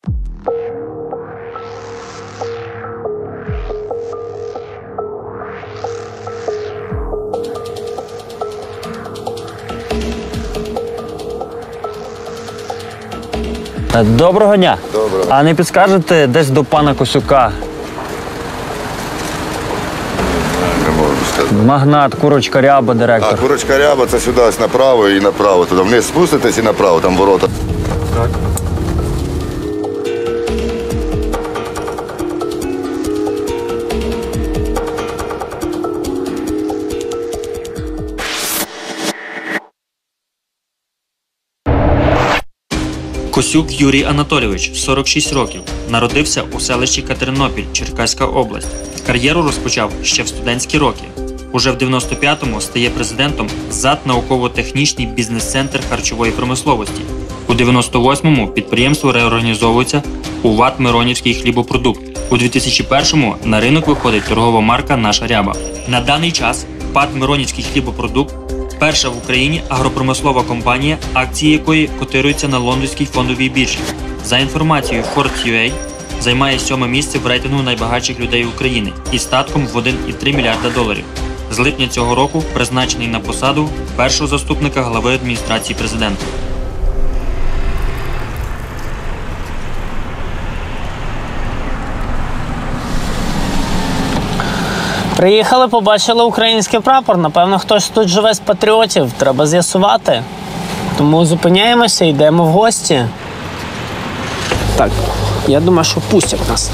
Доброго дня. Доброго. А не підскажете десь до пана Косюка? Не можу сказати. Магнат, курочка ряба, директор. А, курочка ряба, це сюди ось направо і направо. Туди вниз спуститесь і направо, там ворота. Так. Косюк Юрій Анатолійович, 46 років. Народився у селищі Катеринопіль, Черкаська область. Кар'єру розпочав ще в студентські роки. Уже в 95-му стає президентом ЗАД «Науково-технічний бізнес-центр харчової промисловості». У 98-му підприємство реорганізовується у ВАТ «Миронівський хлібопродукт». У 2001-му на ринок виходить торгова марка «Наша ряба». На даний час ПАТ «Миронівський хлібопродукт» – перша в Україні агропромислова компанія, акції якої котируються на лондонській фондовій біржі. За інформацією Forbes.ua, займає 7-е місце в рейтингу найбагатших людей України із статком в 1,3 мільярда доларів. З липня цього року призначений на посаду першого заступника глави адміністрації президента. Приїхали, побачили український прапор. Напевно, хтось тут живе з патріотів. Треба з'ясувати. Тому зупиняємося і йдемо в гості. Так, я думаю, що пустять нас.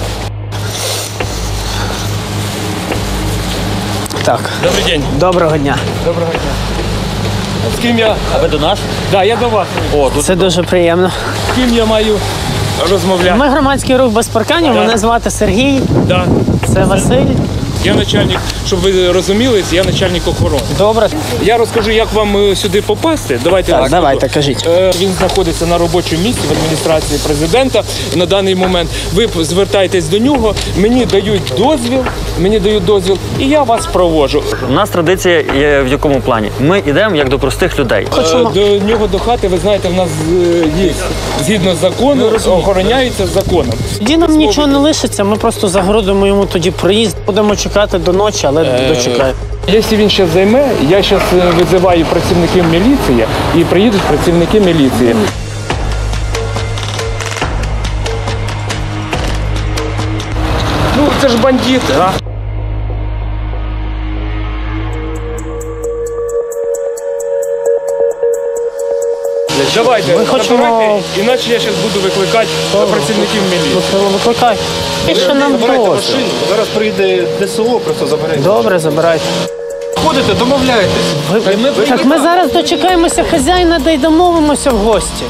Так. Добрий день. Доброго дня. Доброго дня. З ким я? А ви до нас? Да, я до вас. Це дуже приємно. З ким я маю розмовляти? Ми громадський рух без парканів. Да. Мене звати Сергій. Да. Це Василь. Я начальник, щоб ви розуміли, я начальник охорони. Добре. Я розкажу, як вам сюди попасти. Давайте. Так, давайте, кажіть. Він знаходиться на робочому місці в адміністрації президента на даний момент. Ви звертаєтесь до нього, мені дають дозвіл, і я вас проводжу. У нас традиція є в якому плані? Ми йдемо як до простих людей. До нього, до хати, ви знаєте, в нас є, згідно закону, охороняється законом. Тоді нам нічого не лишиться, ми просто загородимо йому тоді проїзд. Будемо чекати до ночі, але дочекаємо. Якщо він ще займе, я зараз визиваю працівників міліції і приїдуть працівники міліції. Ну, це ж бандит, а? Давайте, Ми хочемо- набирайте, іначе я зараз буду викликати працівників міліції. Викликай. І що нам просто? Зараз прийде ДСО, просто заберете. Добре, забирайте. Ходите, домовляєтесь. Так ми зараз дочекаємося хазяїна, да й домовимося в гості.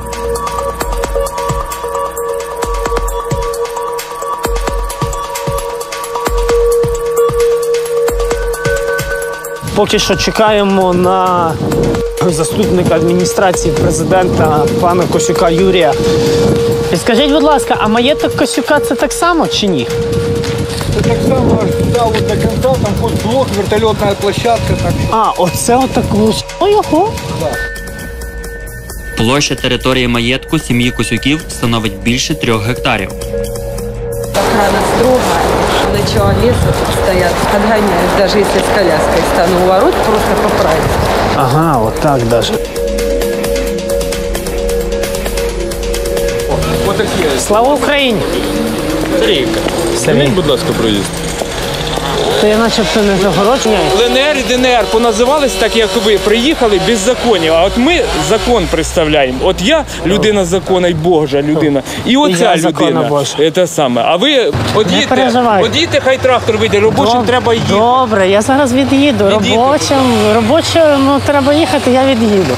Поки що чекаємо на заступника адміністрації президента пана Косюка Юрія. І скажіть, будь ласка, а маєток Косюка це так само чи ні? Це так само аж туди, от до кінця, там хоч блок, вертольотна площадка. Так. А, оце отаку. Ого. Площа території маєтку сім'ї Косюків становить більше 3 гектарів. Охрана строгая, начало леса тут стоят, отгоняют, даже если с коляской стану у ворот, просто поправить. Ага, отак даже. Слава Україні! Сергій, Будь ласка, проїзд. то я начебто не загороджений. ЛНР і ДНР поназивались так, як ви. Приїхали беззаконня, а от ми закон представляємо. От я людина закону і Божа людина. І оця я закона людина. Божа. Це саме. А ви переживайте. одійте, хай трактор вийде, робочим треба їхати. Добре, я зараз від'їду. Робочим треба їхати, я від'їду.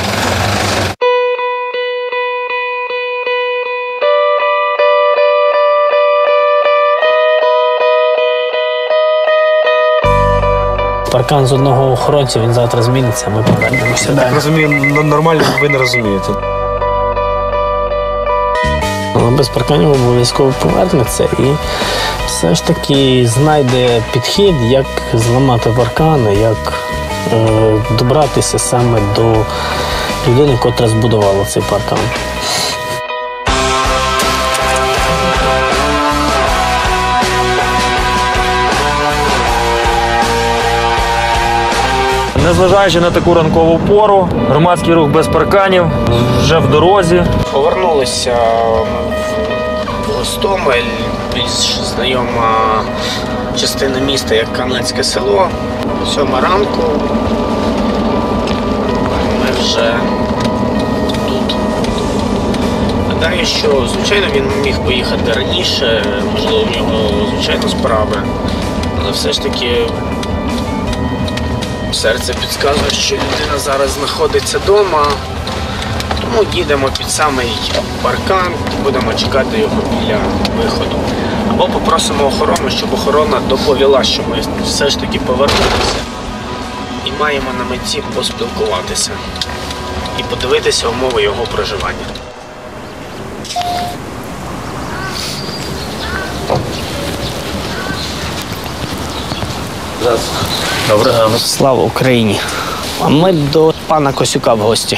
Паркан з одного охоронця, він завтра зміниться, ми повернемося. Я так розумію, нормально ви не розумієте. Але без парканів обов'язково повернеться і все ж таки знайде підхід, як зламати паркани, як добратися саме до людини, котра збудувала цей паркан. Незважаючи на таку ранкову пору, громадський рух без парканів вже в дорозі. Повернулися в Гостомель, більш знайома частина міста, як Кам'янське село. 7 ранку. Ми вже тут. Гадаю, що, звичайно, він міг поїхати раніше, можливо, в нього, звичайно, справи, але все ж таки серце підказує, що людина зараз знаходиться вдома, тому їдемо під самий паркан і будемо чекати його біля виходу. Або попросимо охорону, щоб охорона доповіла, що ми все ж таки повернулися і маємо на меті поспілкуватися і подивитися умови його проживання. Доброго ранку. Слава Україні! А ми до пана Косюка в гості.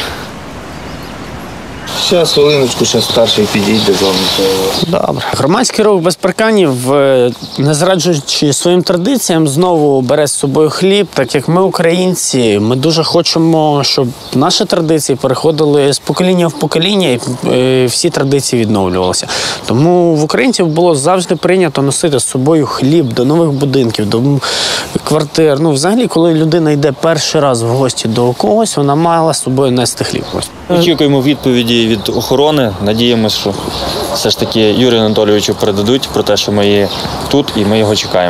Зараз, хвилиночку, ще старший підійде з вами. Добре. Громадський рух без парканів, не зраджуючи своїм традиціям, знову бере з собою хліб. Так як ми, українці, ми дуже хочемо, щоб наші традиції переходили з покоління в покоління і всі традиції відновлювалися. Тому в українців було завжди прийнято носити з собою хліб до нових будинків, до квартир. Ну, взагалі, коли людина йде перший раз в гості до когось, вона мала з собою нести хліб. Очікуємо відповіді від охорони. Надіємося, що все ж таки Юрію Анатолійовичу передадуть про те, що ми є тут і ми його чекаємо.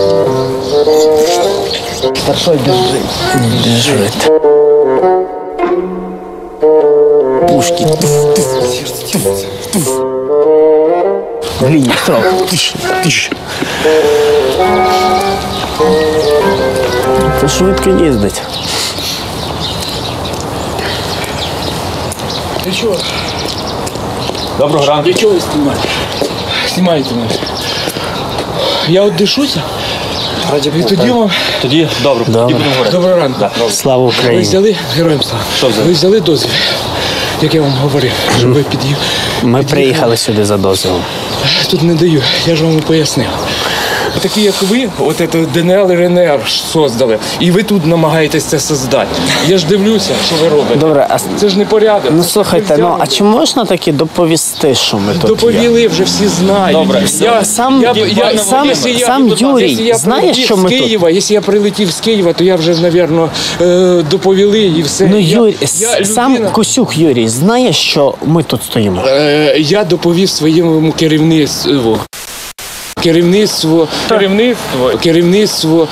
Старшой держить. Держить. Пушки. Глині, строк. Це швидко їздить. Ти чого? Доброго ранку. Для чого ви знімаєте? Знімаєте мене. Я от дишуся. І тоді вам... Тоді добре, тоді будемо говорити. Доброго ранку. Слава Ви Україні. взяли, героям слава. Що взяли? Ви взяли дозвіл, як я вам говорив, щоб ви під'їхали. Ми приїхали сюди за дозволом. Тут не даю, я ж вам пояснив. Такі, як ви, от це ДНР і РНР создали, і ви тут намагаєтесь це создати. Я ж дивлюся, що ви робите. Добре, а Це ж не порядок. ну слухайте, ну а чи можна таки доповісти, що ми тут є? Доповіли, вже всі знають. Добре. Сам Юрій знає, що ми тут? Якщо я прилетів з Києва, то я вже, мабуть, доповіли і все. Ну, Юрій, я сам людина- Косюк Юрій знає, що ми тут стоїмо? Я доповів своєму керівництву. Керівництво.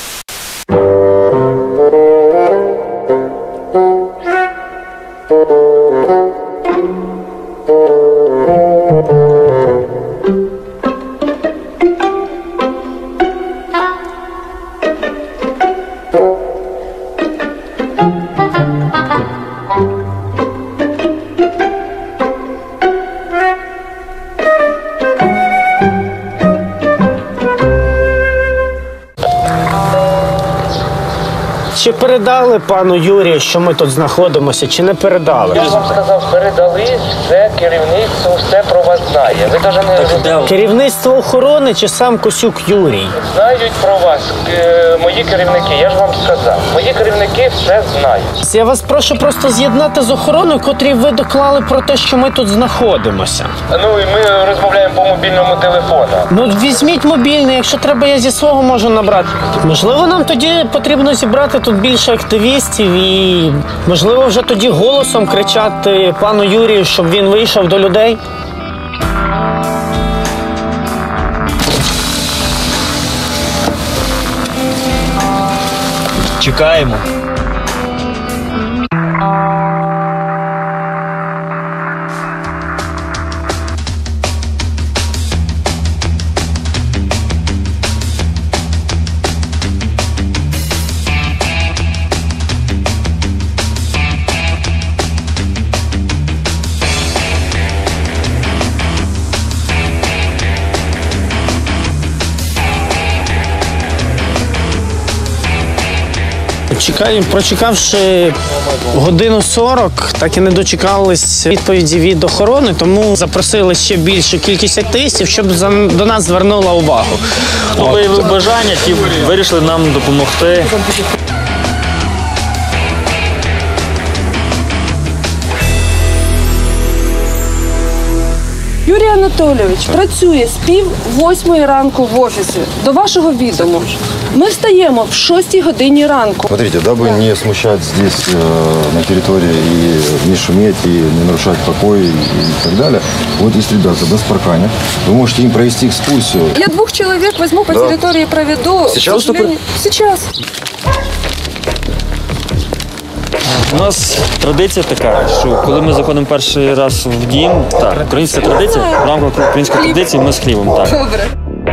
Чи передали пану Юрію, що ми тут знаходимося, чи не передали? Я вам сказав, передали, все керівництво, все про вас знає. Ви навіть не Керівництво охорони чи сам Косюк Юрій? знають про вас, мої керівники, я ж вам сказав. Мої керівники все знають. Я вас прошу просто з'єднати з охороною, котрій ви доклали про те, що ми тут знаходимося. Ну і ми розмовляємо по мобільному телефону. Ну, візьміть мобільний, якщо треба, я зі свого можу набрати. Можливо, нам тоді потрібно зібрати тут більше активістів і, можливо, вже тоді голосом кричати пану Юрію, щоб він вийшов до людей. Чекаємо. Прочекавши годину 40, так і не дочекались відповіді від охорони, тому запросили ще більшу кількість активістів, щоб до нас звернула увагу. Виявили бажання, ті вирішили нам допомогти. Анатолійович працює з 7:30 ранку в офісі. До вашого відому. Ми встаємо в 6 годині ранку. Смотрите, дабы не смущать здесь на территории и не шуметь, и не нарушать покой и так далее, вот есть ребята без парканя. Вы можете им провести экскурсию. Я 2 человек возьму по территории, проведу. Сейчас? Сейчас. У нас традиція така, що коли ми заходимо перший раз в дім, так, українська традиція, в рамках української традиції ми з хлібом, так. Добре.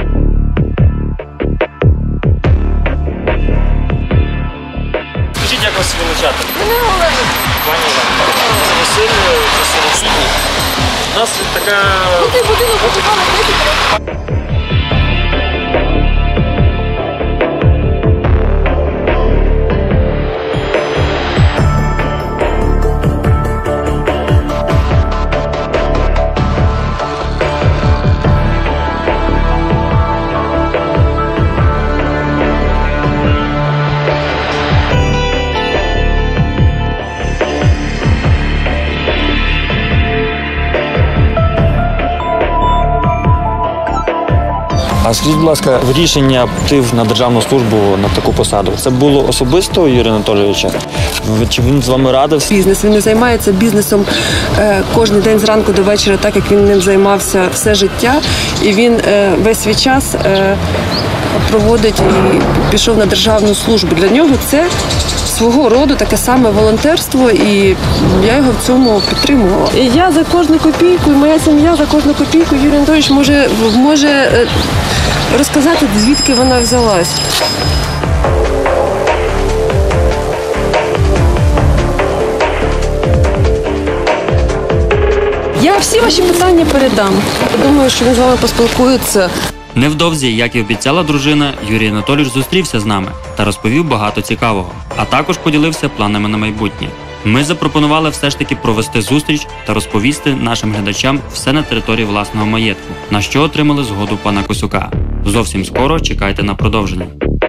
Скажіть, як вас величати? Пані Олена. Це Василь, це Сергій. У нас така... А скажіть, будь ласка, рішення піти на державну службу на таку посаду, це було особисто Юрія Анатолійовича? Чи він з вами радився? Бізнес. Він не займається бізнесом кожен день зранку до вечора, так як він ним займався все життя. І він весь свій час проводить і пішов на державну службу. Для нього це свого роду таке саме волонтерство, і я його в цьому підтримувала. І я за кожну копійку, і моя сім'я за кожну копійку, Юрій Анатолійович може розказати, звідки вона взялась. Я всі ваші питання передам. Думаю, що він з вами поспілкується. Невдовзі, як і обіцяла дружина, Юрій Анатолійович зустрівся з нами та розповів багато цікавого, а також поділився планами на майбутнє. Ми запропонували все ж таки провести зустріч та розповісти нашим глядачам все на території власного маєтку, на що отримали згоду пана Косюка. Зовсім скоро чекайте на продовження.